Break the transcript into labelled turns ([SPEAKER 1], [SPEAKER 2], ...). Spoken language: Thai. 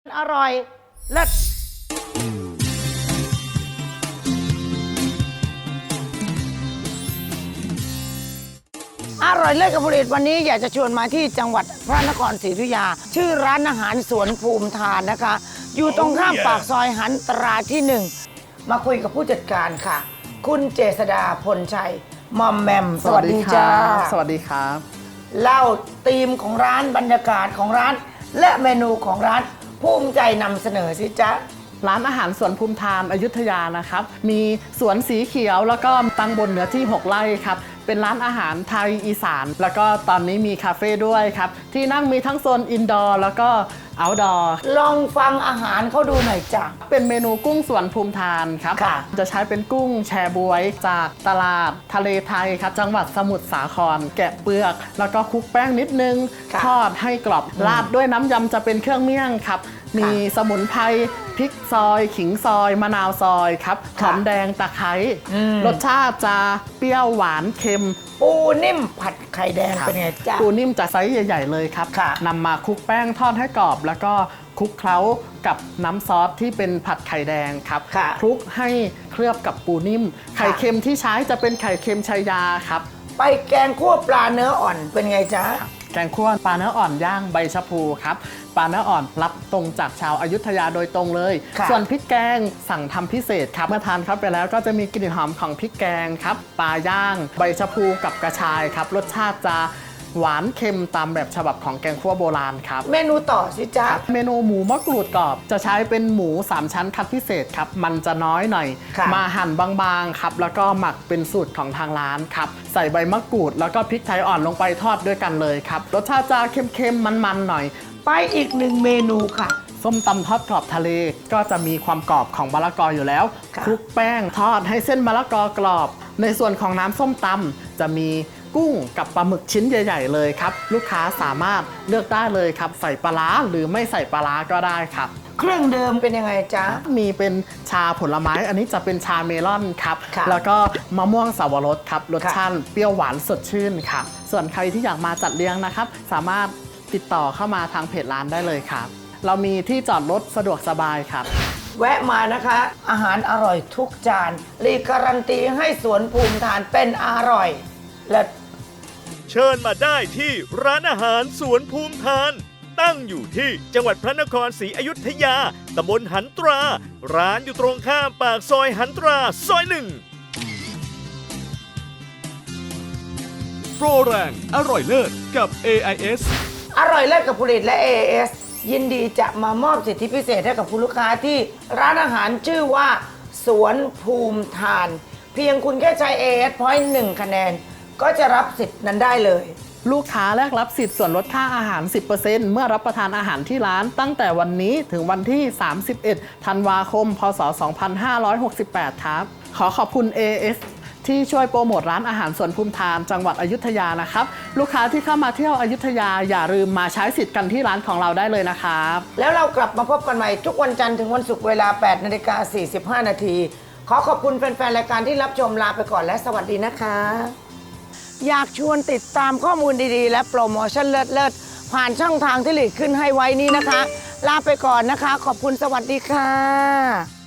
[SPEAKER 1] อร่อยเลิศอร่อยเลิศกับผลิตวันนี้อยากจะชวนมาที่จังหวัดพระนครศรีอยุธยาชื่อร้านอาหารสวนภูมิทานนะคะ อยู่ตรงข้ามปากซอยหันตราที่1มาคุยกับผู้จัดการค่ะ คุณเจษดาพลชัยมอมแมมสวัสดีจ้า
[SPEAKER 2] สวัสดีครับ
[SPEAKER 1] เล่าธีมของร้านบรรยากาศของร้านและเมนูของร้านภูมิใจนำเสนอสิจ๊ะ
[SPEAKER 2] ร้านอาหารสวนภูมิทานอยุธยานะครับมีสวนสีเขียวแล้วก็ตั้งบนเนื้อที่6 ไร่ครับเป็นร้านอาหารไทยอีสานแล้วก็ตอนนี้มีคาเฟ่ด้วยครับที่นั่งมีทั้งโซนอินดอร์แล้วก็เอาท์ดอร์
[SPEAKER 1] ลองฟังอาหารเขาดูหน่อยจ้ะ
[SPEAKER 2] เป็นเมนูกุ้งสวนภูมิทานครับจะใช้เป็นกุ้งแชบวยจากตลาดทะเลไทยครับจังหวัดสมุทรสาครแกะเปลือกแล้วก็คลุกแป้งนิดนึงทอดให้กรอบราดด้วยน้ำยำจะเป็นเครื่องเมี่ยงครับมีสมุนไพรพริกซอยขิงซอยมะนาวซอยครับหอมแดงตะไคร้รสชาติจะเปรี้ยวหวานเค็ม
[SPEAKER 1] ปูนิ่มผัดไข่แดงเป็นไงจ๊ะ
[SPEAKER 2] ปูนิ่มจะไซส์ใหญ่ๆเลยครับนำมาคลุกแป้งทอดให้กรอบแล้วก็คลุกเคล้ากับน้ำซอสที่เป็นผัดไข่แดงครับคลุกให้เคลือบกับปูนิ่มไข่เค็มที่ใช้จะเป็นไข่เค็มชายาครับ
[SPEAKER 1] ไปแกงคั่วปลาเนื้ออ่อนเป็นไงจ๊ะ
[SPEAKER 2] แกงคั่วปลาเนื้ออ่อนย่างใบชะพูครับปลาเนื้ออ่อนรับตรงจากชาวอยุธยาโดยตรงเลยส่วนพริกแกงสั่งทำพิเศษครับเมื่อทานเข้าไปแล้วก็จะมีกลิ่นหอมของพริกแกงครับปลาย่างใบชะพูกับกระชายครับรสชาติจะหวานเค็มตามแบบฉบับของแกงคั่วโบราณครับ
[SPEAKER 1] เมนูต่อสิจ๊ะ
[SPEAKER 2] เมนูหมูมะกรูดกรอบจะใช้เป็นหมู3 ชั้นคัดพิเศษครับมันจะน้อยหน่อยมาหั่นบางๆครับแล้วก็หมักเป็นสูตรของทางร้านครับใส่ใบมะกรูดแล้วก็พริกไทยอ่อนลงไปทอดด้วยกันเลยครับรสชาติจะเค็มๆมันๆหน่อย
[SPEAKER 1] ไปอีก1 เมนูค่ะ
[SPEAKER 2] ส้มตำทอดกรอบทะเลก็จะมีความกรอบของมะละกออยู่แล้วคลุกแป้งทอดให้เส้นมะละกอกรอบในส่วนของน้ำส้มตำจะมีกุ้งกับปลาหมึกชิ้นใหญ่ๆเลยครับลูกค้าสามารถเลือกได้เลยครับใส่ปลาร้าหรือไม่ใส่ปลาร้าก็ได้ครับ
[SPEAKER 1] เครื่องเดิมเป็นยังไงจ๊ะ
[SPEAKER 2] มีเป็นชาผลไม้อันนี้จะเป็นชาเมลอนครับแล้วก็มะม่วงสาวรสครับรสชาติเปรี้ยวหวานสดชื่นค่ะส่วนใครที่อยากมาจัดเลี้ยงนะครับสามารถติดต่อเข้ามาทางเพจร้านได้เลยครับเรามีที่จอดรถสะดวกสบายครับ
[SPEAKER 1] แวะมานะคะอาหารอร่อยทุกจานรีการันตีให้สวนภูมิทานเป็นอร่อยและ
[SPEAKER 3] เชิญมาได้ที่ร้านอาหารสวนภูมิทานตั้งอยู่ที่จังหวัดพระนครศรีอยุธยาตำบลหันตราร้านอยู่ตรงข้ามปากซอยหันตราซอย1โปรแรงอร่อยเลิศกับ AIS
[SPEAKER 1] อร่อยเลิศกับผลิตและ AIS ยินดีจะมามอบสิทธิพิเศษให้กับคุณลูกค้าที่ร้านอาหารชื่อว่าสวนภูมิทานเพียงคุณแค่ใช้ AIS Point 1 คะแนนก็จะรับสิทธิ์นั้นได้เลย
[SPEAKER 2] ลูกค้าแลกรับสิทธิ์ส่วนลดค่าอาหาร 10% เมื่อรับประทานอาหารที่ร้านตั้งแต่วันนี้ถึงวันที่ 31 ธันวาคม พศ 2568 ครับขอขอบคุณ AIS ที่ช่วยโปรโมทร้านอาหารสวนภูมิทานจังหวัดอยุธยานะครับลูกค้าที่เข้ามาเที่ยวอยุธยาอย่าลืมมาใช้สิทธิ์กันที่ร้านของเราได้เลยนะครับ
[SPEAKER 1] แล้วเรากลับมาพบกันใหม่ทุกวันจันทร์ถึงวันศุกร์เวลา 8:45 น.ขอขอบคุณแฟนๆรายการที่รับชมลาไปก่อนและสวัสดีนะคะอยากชวนติดตามข้อมูลดีๆและโปรโมชั่นเลิศๆผ่านช่องทางที่หลีกขึ้นให้ไว้นี้นะคะลาไปก่อนนะคะขอบคุณสวัสดีค่ะ